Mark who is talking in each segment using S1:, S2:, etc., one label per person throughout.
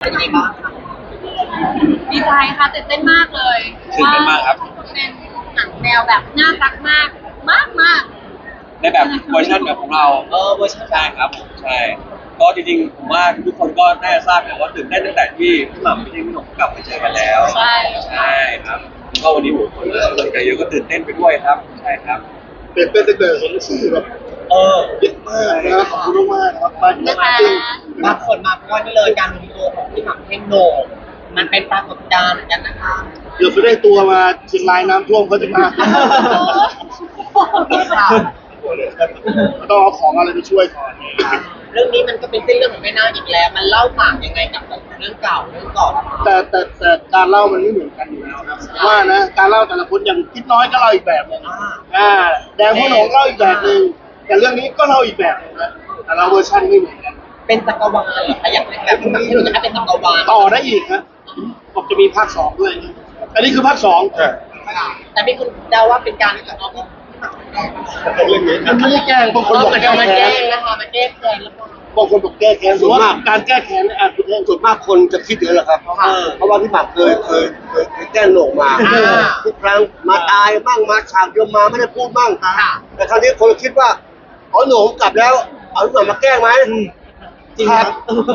S1: เป็นยังไงบ้างคะ
S2: ดีใจค่ะตื่นเต้นมากเลย
S3: ตื่นเต้นมากครับ
S2: เป็นหนังแนวแบบน่ารักมากมากมาก
S3: ในแบบเวอร์ชันแบบของเรา
S1: เวอร์ชัน
S3: ใช่ครับผมใช่ก็จริงๆผมว่าทุกคนก็น่าจะทราบอยู่ว่าตื่นเต้นตั้งแต่ที่พี่หม่ำพี่หนุ่มกลับมาเจอกันแล้ว
S2: ใช่
S3: ใช่ครับก็วันนี้ผมคนเริ่มใจเยอะก็ตื่นเต้นไปด้วยครับใช่ครับ
S4: เป็นตั้งแต่เห็นชื่อแบบเยอะมากนะขอบคุณมากนะครับมา
S2: นะคะ
S4: จริง
S1: บางคนมาเพราะว่านี่เลยการรวมตัวของพี่หม่ำเท่งโหนงมันเป็นปรากฏการณ์เหมือนกันนะคะ
S4: เดี๋ยวจะได้ตัวมาเชียงรายน้ำท่วมเขาจะมาต้องเอาของอะไรไปช่วยก่อน
S1: เรื่องนี้มันก็เป็นเส้นเรื่องของแม่นาคอีกแล้ว มันเล่าต่างยังไงกับเรื่องเก่าเรื่องก่อน
S4: แต่การเล่ามันไม่เหมือนกันอยู่แล้วครับว่านะการเล่าแต่ละคนอย่างคิดน้อยก็เล่าอีกแบบหนึงแดงพ่อหนงเล่าอีกแบบหนึงแต่เรื่องนี้ก็เล่าอีกแบบหนึงนะแต่ละเวอร์ชันไม่เหมือนกัน
S1: เป็นจักรวาลเหรอคะอยากเป็นแบบพี่หม่ำเท่งโหนงจะให้เป็นจักรวาล
S4: ต่อได้อีกครับบอกจะมีภาคสองด้วย อันนี้คือภาคสอง
S1: แต่มีคนเดาว่าเป็นการที่เอาพี่หม่ำแกล้ง
S4: มันไม่ได้แกล้งบางคนบอก
S1: มัน
S4: แก้
S1: เอามา
S4: แค้
S1: แกล้
S4: น
S1: งนะคะมาแกล้งแกล้งแล้วก็
S4: บางคนบอกแก้แค้นส่วนมากการแก้แค้นเนี่ยอาจจะส่วนมากคนจะคิดเยอะแหละครับ เพราะว่าพี่หมากเคยแก้โหนกมาทุกครั้งมาตายบ้างมาฉากเดียวมาไม่ได้พูดบ้างแต่ครั้งนี้คนคิดว่าอ๋อโหนงกลับแล้วเอาพี่หมากมาแกล้งไหม
S1: จริงครับ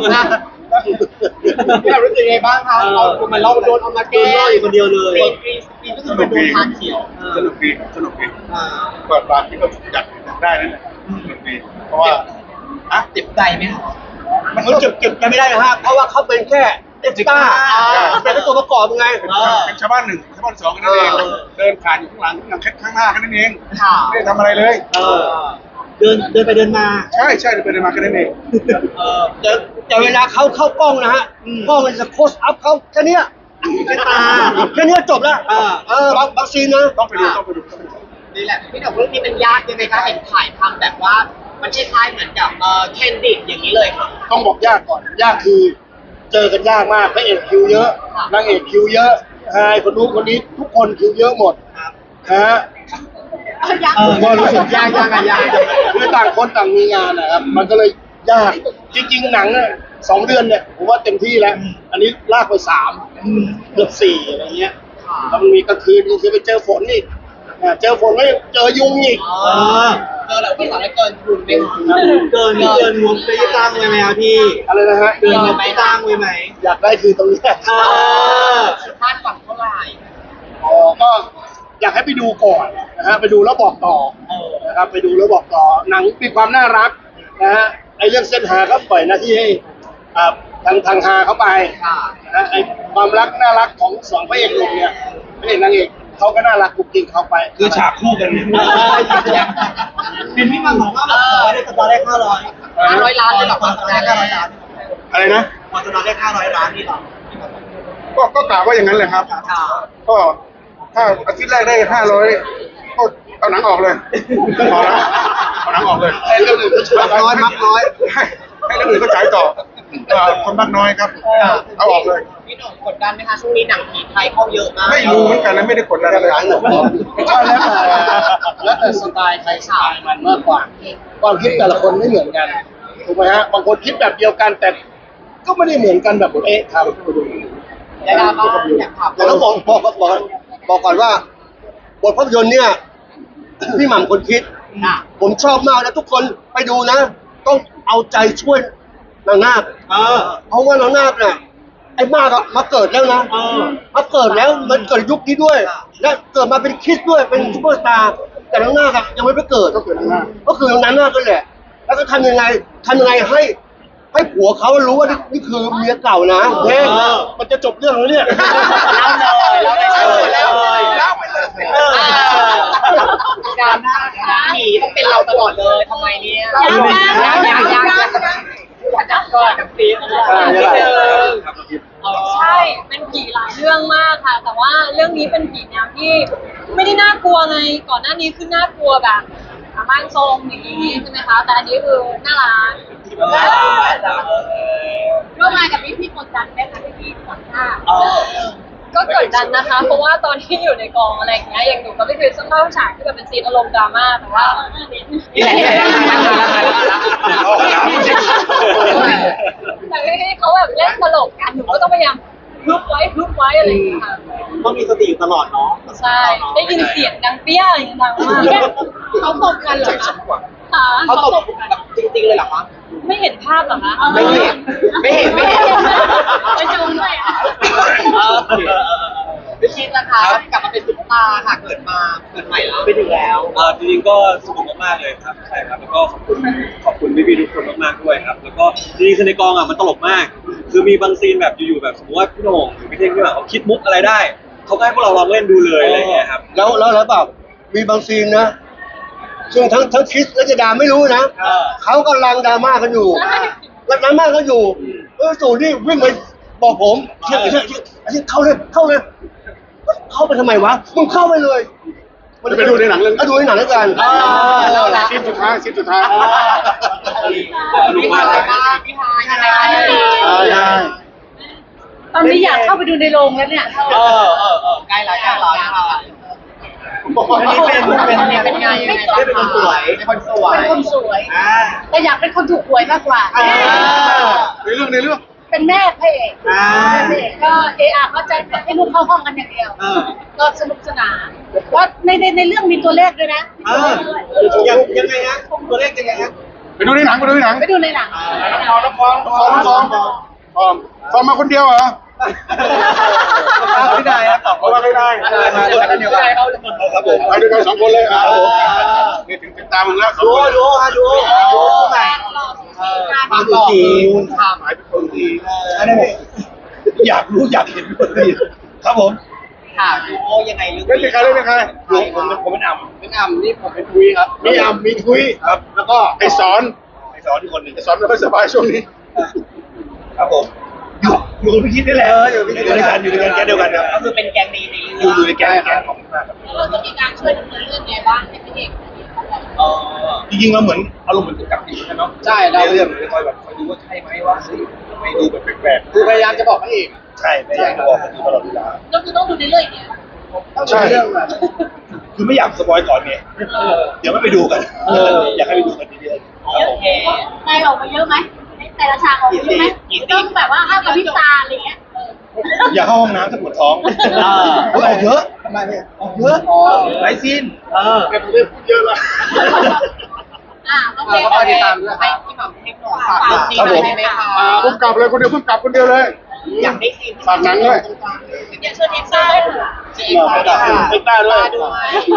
S1: พี่เรารู้สึกยังไงบ้างคะเราโดนเอามาแก้อยู่คนเดียวเลยปีก็คือเป็นโดนทานเขียว
S5: สนุกดีสนุกดีเปิดร้านที่ก็จัดได้นั่นแหละสนุกดีเพราะว่า
S1: เจ็บใจไหมคะ
S4: มันเก็บกันไม่ได้นะฮะเพราะว่าเขาเป็นแค่เอ็กซ์ต้าเป็นแค่ตัวประกอบไง
S5: เป็นชาวบ้านหนึ่งชาวบ้านสองกันนั่นเองเดินผ่านอยู่ข้างหลังข้างหน้ากันนั่นเอง
S1: ค่ะ
S5: ไม่ได้ทำอะไรเลย
S4: เดินไปเดินมา
S5: ใช่ใช่เดินไปเดินมากันนั่นเอง
S4: แต่เวลาเขาเข้ากล้องนะฮะกล้องมันจะโคสอัพเขาแค่เนี้ยแค่ตาแค่เนี้ยจบแล้วบางซีนนะ
S5: ต้องไปดู
S1: นี่แหละพี่หนุ่มเรื่องนี้มันยากยังไงคะเห็นถ่ายทำแบบว่ามันคล้ายๆเหมือนกับแคนดิดอย่างนี้เลยค่ะ
S4: ต้องบอกยากก่อนยากคือเจอกันยากมากพระเอกคิวเยอะนางเอกคิวเยอะไอ้คนนู้นคนนี้ทุกคนคิวเยอะหมดฮะผมก็รู้สึกยากคือต่างคนต่างมีงานนะครับมันก็เลยยากจริงๆหนังเนี่ย2 เดือนเนี่ยผมว่าเต็มที่แล้วอันนี้ลากไป3เกือบ4อะไรเงี้ยแล้วมันมีกลางคืนคือไปเจอฝนอีกเจอฝนไม่เจอยุงอีก
S1: เจอแล้วพี่สาวได้เกินทุนไหมคะ
S4: เกินงบไปตั้งไว้ไหมครับพี่อะไรนะฮะ
S1: เกินงบไปตั้งไว้ไหม
S4: อยากได้คือตรงนี้
S1: คาดหวังเท่าไหร่
S4: ก็อยากให้ไปดูก่อนนะฮะไปดูแล้วบอกต่อนะครับไปดูแล้วบอกต่อหนังมีความน่ารักนะฮะไอเรื่องเส้นหาก็ปล่อยหน้าที่ให้ทางฮาเข้าไปนะฮะไอความรักน่ารักของ2 พระเอกหนุ่มเนี่ยพระเอกนางเอกเขาก็น่ารักกุ๊กกิ๊กเข้าไป
S5: คือฉากคู่กัน
S4: เป็นพี่มังบอกว่าได้สตาร์ได้500
S1: 500 ล้านเลยหรอคะ500 ล้าน
S4: อะไรนะ
S1: พอจะนอนได้500 ล้านนี่หรอ
S5: ก็กล่าวว่าอย่างนั้นเลยครับ ก็ถ้าอาทิตย์แรกได้500ก็เอาหนังออกเลยพอแล้วเอาหนังออกเลย
S4: ไอเรื่องอื่นก็ช่วยมักน้อย
S5: ให้เรื่องอื่นก็ฉายต่อคนมากน้อยครับเอาออกเลย
S1: พี่หนุ่มกดดันไหมคะช่วงนี้หนังผีไทยเข้าเยอะมาก
S5: ไม่รู้เหมือนกันนะไม่ได้กดดันอะไร
S4: ใช่แล้วแต่สไตล์ใครสไตล์มันมากกว่าความคิดแต่ละคนไม่เหมือนกันถูกไหมฮะบางคนคิดแบบเดียวกันแต่ก็ไม่ได้เหมือนกันแบบเอ๊ะครับ
S1: ยาดาบ้างอยากถาม
S4: แต่ต้องบอกก่อนว่าบทภาพยนตร์เนี่ยพี่หม่ำคนคิดผมชอบมากนะทุกคนไปดูนะ ต้องเอาใจช่วยนางนาคเพราะว่านางนาคเนี่ยไอ้มากอะมาเกิดแล้วนะมาเกิดแล้วมันเกิดยุคนี้ด้วย และเกิดมาเป็นคริสต์ด้วยเป็นซุปเปอร์สตาร์แต่นางนาคอะยังไม่ไปเกิดก็คือนางนาคก็แหละแล้วก็ทำยังไงให้ผัวเขารู้ว่านี่คือเมียเก่านะเฮ้ยมันจะจบเรื่องแล้วเนี่ย
S1: เล่าไปเลยการผีต้องเป็นเราตลอดเลยทำไมเนี่ยอยากก็กับปีน
S2: ใช่เป็นผีหลายเรื่องมากค่ะ แต่ว่าเรื่องนี้เป็นผีแนวที่ไม่ได้น่ากลัวไงก่อนหน้านี้คือน่ากลัวแบบร่างทรงอย่างนี้ใช่ไหมคะแต่อันนี้คือน่ารักร่วมงานกับพี่กดดันไหมคะพี่ขวัญหน้าก็กดดันนะคะ เพราะว่าตอนที่อยู่ในกองอะไรอย่างเงี้ยอย่างหนูก็ไม่เคยเข้าฉากที่แบบเป็นซีนอารมณ์ดราม่าแต่ว่าแต่ให้เขาแบบเล่นตลกกันหนูก็ต้องพยายามฮึบไว้อะไรอย่างเงี้ยค่ะ
S1: ต้องมีสติอยู่ตลอดเนาะ
S2: ใช่ได้ยินเสียงดังเปี้ยอย่างดังมากเขาตบกันเหรอคะค่ะ
S1: เขาตบแบบจริงๆเลยเหรอคะ
S2: ไม่เห็นภาพเหรอคะ
S1: ไม่เห็นไม่เห็น
S2: ไปจูงด้วยอ่ะ
S1: ไม่คิดนะคะกลับมาเป็นซุปตาร์ค่ะเกิดใหม่แล้วไปถึงแล้ว
S3: จริงๆก็สนุกมากๆเลยครับใช่ครับแล้วก็ขอบคุณพี่ๆทุกคนมากๆด้วยครับแล้วก็จริงๆคือในกองมันตลกมาก คือมีบางซีนแบบอยู่ๆแบบสมมติว่าพี่โหน่งหรือพี่เท่งพี่หม่ำเขาคิดมุกอะไรได้เขาก็ให้พวกเราลองเล่นดูเลยอะไรอย่างเงี้ยครับ
S4: แล้วแบบมีบางซีนนะซึ่งทั้งคริสและเจดาไม่รู้นะเขากำลังดราม่ากันอยู่กำลังดราม่ากันอยู่สู่นี่วิ่งไปบอกผมเชื่อเข้าเลยเข้าไปทำไมวะมึงเข้าไปเลย
S5: ไปดูในหนังเรื่อง
S4: ดูในหนังแล้วกัน
S5: ซีนสุดท้ายซีนสุดท้าย
S1: พี่ฮายบ้างพี่ฮายยังไง
S4: ใช่
S2: ตอนนี้อยากเข้าไปดูในโรงแล้วเนี่ย
S1: ใกล้แล้วนะคะอันนี้เป็นไงยังไงบ้างเป็นคนสวยเป็นคนสวย
S2: เป็นคนสวยแต่อยากเป็นคนถูกหวยมากกว่า
S5: ในเรื่อง
S2: เป็นแม่พระเอกพระเอกก็ก็จะให้ลูกเข้าห้องกันอย่างเดียว ก็สนุกสนานว่าในเรื่องมีตัวเลขด้วยนะ
S1: ยังไงฮะตัวเลขยังไงฮะ
S5: ไปดูในหนัง
S2: ไปดูในหนัง
S5: ซ้อมมาคนเดียวเหรอ
S3: ไม่ได้ครับตอบ
S5: เอามาไม่ได้
S3: มาด้วยกันเดียวกันครับผม
S5: ไปด้วยกัน2 คนเลยนี่ถึงตามมึงแล้ว2 คน
S1: ดูใหม่ความหล่อคุณท
S5: หมายเป็นคนดี
S3: อันนี้อยากรู้อยากเห็นด้วยครับผม
S1: ำค่ะดูยังไงลึก
S5: เล่นเป็นใคร
S3: ผมเป็นอ่ำ
S1: เป็นอ่ำนี่ผมเป็นคุยครับ
S5: มีอ่ำมีทุยครับแล้วก็ไอสอนที่คนหนึ่งไอสอนไม่ค่อยสบายช่วงนี้
S3: ครับผมอยู่กับพี่คิดได้แหละอยู่ด้วยกันแก๊งเดียวกันครับ
S1: ก็คือเป็นแกงดีใน
S3: อยู่ในแก๊งของมาก
S2: เราจะมีการช่วยดำเนินเรื่องไงบ้างให้พระเอก
S3: จริงๆเราเหมือนอารมณ์เหมือนกับอยู่กันเนาะ
S1: ใช่เรา
S3: เรื่องคอยแบบคอยดูว่าใช่ไหมว่าไม่ดูแบบแปลก
S1: คือพยายามจะบอกพระเอก
S3: ๆใช่ไม่อยากบอกกันอยู่ตลอดเวลา
S2: ก็คือต้องดูในเรื่องอย่างเงี้ย
S5: ใช่
S1: เรื่องอะ
S3: คือไม่อยากสปอยก่อนไงเดี๋ยวไม่ไปดูกันอยากให้ไปดูกันเยอะๆ
S1: โอเค
S2: ในออกมาเยอะไหมแต่ละฉากออกมาเยอะไหมต้องแบบว่าห้ามกับพริบตาอะไรเงี้ย
S3: อย่าเข้าห้องน้ำถ้าปวดท้องออกเยอะทำไมเนี่ยออกเยอะหลายซีน
S5: แต่ผมได้พูดเยอะแล้ว
S2: โอเค
S1: ก็ติดตามด้วยให้พี่หม่ำให้หน่อยฝากเรื่องนี้หน่อยได้ไหมคะ
S5: พุ่งกลับเลยคนเดียวพุ่งกลับคนเดียวเลย
S1: อยากได้ซีน
S5: ฝากหนังด้วย
S2: อย่าเชิญเอ็กซ์ได้เลย
S1: เจ๊ค่ะ
S5: เอ็กซ์ได้ด้วย
S1: ด้วย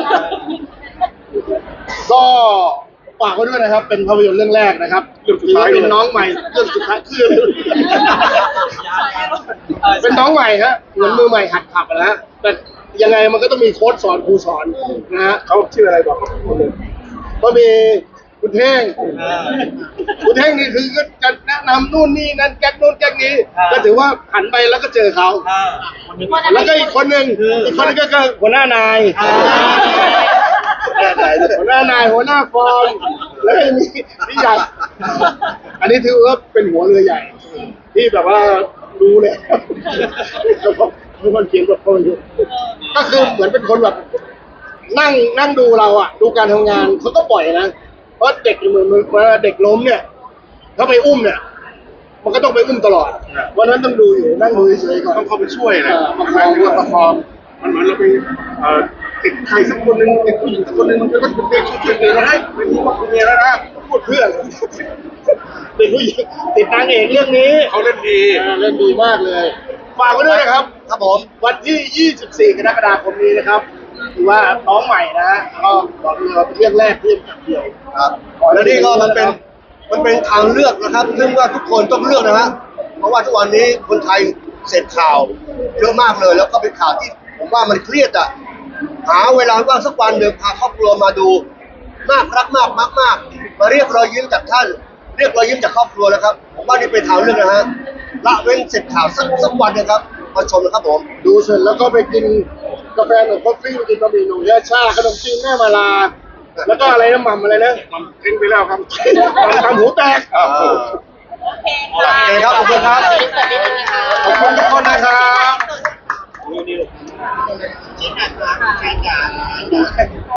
S5: ก็ฝากไว้ด้วยนะครับ เป็นภาพยนตร์เรื่องแรกนะครับเรื่องสุดท้ายเป็นน้องใหม่เรื่องสุดท้ายคือเป็นน้องใหม่ฮะเหมือนมือใหม่หัดขับนะฮะแต่ยังไงมันก็ต้องมีโค้ชสอนครูสอนนะฮะเขาชื่ออะไรบอกเขาพูดเลยก็มีคุณเท่งคุณเท่งนี่คือก็จะแนะนำนู่นนี่นั่นแก๊กนู่นแก๊กนี้ก็ถือว่าหันไปแล้วก็เจอเขาแล้วก็อีกคนหนึ่งก็คือหัวหน้านายหัวหน้านายหัวหน้าฟอร์มแล้วก็มีพี่ใหญ่อันนี้ถือว่าเป็นหัวเรือใหญ่ ที่แบบว่ารู้เลยเป็นคนเขียนบทคนอยู่ก็คือเหมือนเป็นคนแบบนั่งดูเราอ่ะดูการทำงานเขาก็ปล่อยนะเพราะเด็กเหมือนเวลาเด็กล้มเนี่ยถ้าไปอุ้มเนี่ยมันก็ต้องไปอุ้มตลอดวันนั้นต้องดูอยู่นั่งดูเฉยๆก่อนต้องเข้าไปช่วยนะประคองมันเหมือนเราไปติดใครสักคนหนึ่งติดผู้หญิงสักคนหนึ่งมันก็ต้องช่วยๆกันให้เป็นผู้บอกเมียแล้วนะพูดเพื่อนเป็นผู้หญิงติดนางเอกเรื่องนี้เขาเล่นดีเล่นดีมากเลยฝากไว้ด้วยนะครับครับผมวันที่ 24 กรกฎาคมนี้นะครับถือว่าน้องใหม่นะก็บอกเลยว่าเป็นเรื่องแรกที่เดียว
S4: ครับแล้วนี่ก็มันเป็นทางเลือกนะครับ ซึ่งว่าทุกคนต้องเลือกนะฮะเพราะว่าทุกวันนี้คนไทยเสพข่าวเยอะมากเลย แล้วก็เป็นข่าวที่ผมว่ามันเครียดอ่ะหาเวลาว่างสักวันหนึ่งพาครอบครัวมาดูน่ารักมากมากมาเรียกรอยยิ้มจากท่านเรียกรอยยิ้มจากครอบครัวนะครับผมว่านี่เป็นทางเลือกนะฮะละเว้นเสพข่าวสักวันนะครับมาชมนะครับผม
S5: ดูเสร็จแล้วก็ไปกินกาแฟหนุ่มคอฟฟี่ไปกินบะหมี่หนุ่มยาชาขนมจีนแม่มาลาแล้วก็อะไรนะหม่ำอะไรนะหม่ำทิ้งไปแล้วครับทำหูแตก
S2: โอเคค่ะ
S4: โอเคครับขอบคุณครับ
S5: ขอบคุณทุกคนนะครับ
S1: ที่ไหนคะใช่ค่ะ